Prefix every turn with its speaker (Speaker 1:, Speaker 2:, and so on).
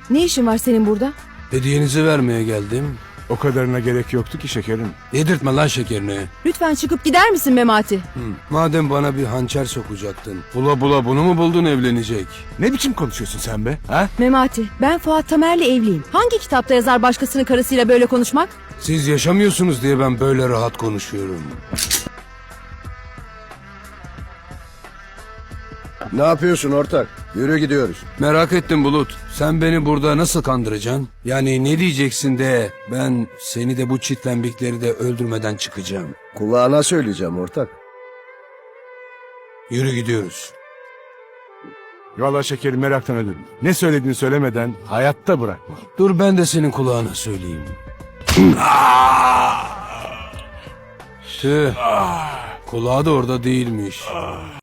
Speaker 1: Ne işin var senin burada?
Speaker 2: Hediyenizi vermeye geldim.
Speaker 3: O kadarına gerek yoktu ki şekerim.
Speaker 2: Yedirtme lan şekerini.
Speaker 1: Lütfen çıkıp gider misin Memati?
Speaker 2: Madem bana bir hançer sokacaktın. Bula bula bunu mu buldun evlenecek?
Speaker 3: Ne biçim konuşuyorsun sen be? Ha?
Speaker 1: Memati, ben Fuat Tamer'le evliyim. Hangi kitapta yazar başkasının karısıyla böyle konuşmak?
Speaker 2: Siz yaşamıyorsunuz diye ben böyle rahat konuşuyorum.
Speaker 4: Ne yapıyorsun ortak? Yürü gidiyoruz.
Speaker 2: Merak ettim Bulut. Sen beni burada nasıl kandıracaksın? Yani ne diyeceksin de ben seni de bu çitlembikleri de öldürmeden çıkacağım.
Speaker 4: Kulağına söyleyeceğim ortak.
Speaker 2: Yürü gidiyoruz.
Speaker 3: Valla şekerim meraktan ölürüm. Ne söylediğini söylemeden hayatta bırakma.
Speaker 2: Dur ben de senin kulağına söyleyeyim. Tüh. Kulağı da orada değilmiş.